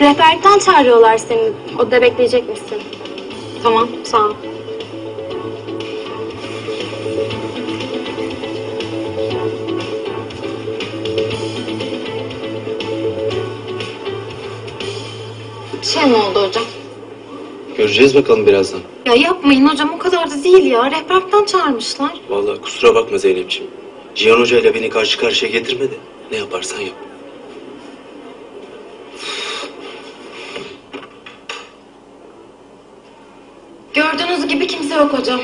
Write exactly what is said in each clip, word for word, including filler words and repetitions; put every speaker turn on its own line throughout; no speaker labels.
Rehberlikten çağırıyorlar seni. Odada bekleyecek misin? Tamam, sağ ol. Bir şey mi oldu hocam?
Göreceğiz bakalım birazdan.
Ya yapmayın hocam, o kadar da değil ya. Rehberlikten çağırmışlar.
Vallahi kusura bakma Zeynep'ciğim. Cihan Hoca ile beni karşı karşıya getirme de ne yaparsan yap.
Gördüğünüz gibi kimse yok hocam.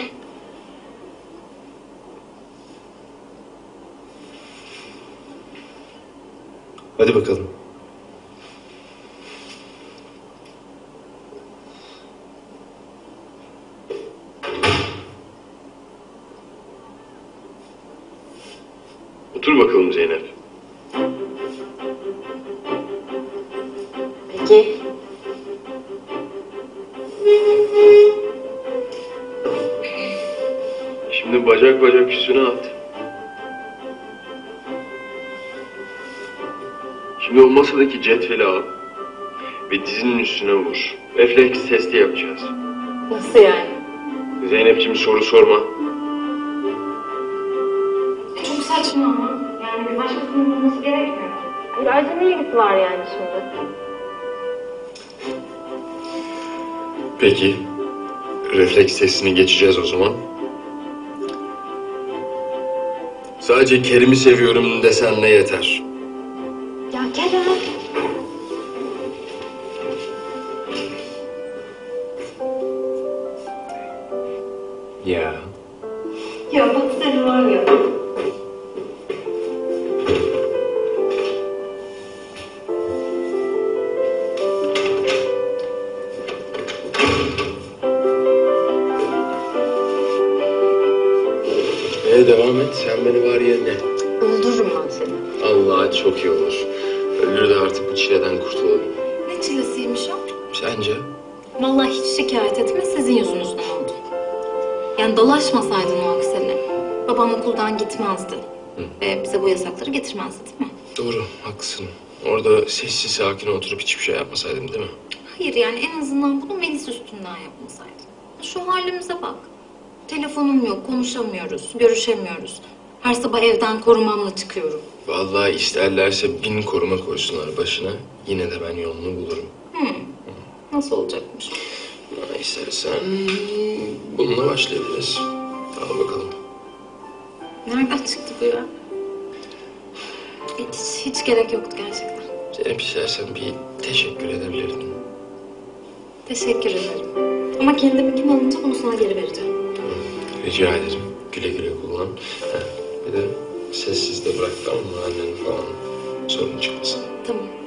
Hadi bakalım.
Otur bakalım Zeynep.
Peki.
Şimdi bacak bacak üstüne at. Şimdi o masadaki cetveli al ve dizinin üstüne vur. Refleks testi yapacağız.
Nasıl yani?
Zeynep'ciğim soru sorma.
Çok saçma ama. Yani bir başkasının bulması gerekmiyor. Ayrıca ne ilgisi var yani şimdi?
Peki. Refleks testini geçeceğiz o zaman. Sadece Kerim'i seviyorum desen ne yeter?
Ya Kerem.
Ya.
Ya bak sen var ya.
Ee, devam et. Sen beni var yerine.
Öldürürüm ben seni.
Allah çok iyi olur. Ölür de artık bu çileden kurtulalım.
Ne çilesiymiş o?
Sence?
Vallahi hiç şikayet etme, sizin yüzünüzden oldu. Yani dolaşmasaydın o aksine. Babam okuldan gitmezdi.
Hı.
Ve bize bu yasakları getirmezdi değil mi?
Doğru, haklısın. Orada sessiz sakin oturup hiçbir şey yapmasaydım değil mi?
Hayır yani en azından bunu Melis üstünden yapmasaydın. Şu halimize bak. Telefonum yok, konuşamıyoruz, görüşemiyoruz. Her sabah evden korumamla çıkıyorum.
Vallahi isterlerse bin koruma koysunlar başına. Yine de ben yolunu bulurum.
Hmm. Nasıl olacakmış?
Ama istersen bununla başlayabiliriz. Al bakalım.
Nereden çıktı bu ya? Hiç, hiç gerek yoktu gerçekten.
Zeynep istersen bir teşekkür edebilirdin.
Teşekkür ederim. Ama kendimi kim alınca bunu sana geri vereceğim.
Rica ederim. Güle güle kullan. Heh, bir de sessiz de bırak tamam mı annen falan sorun çıkmasın.
Tamam.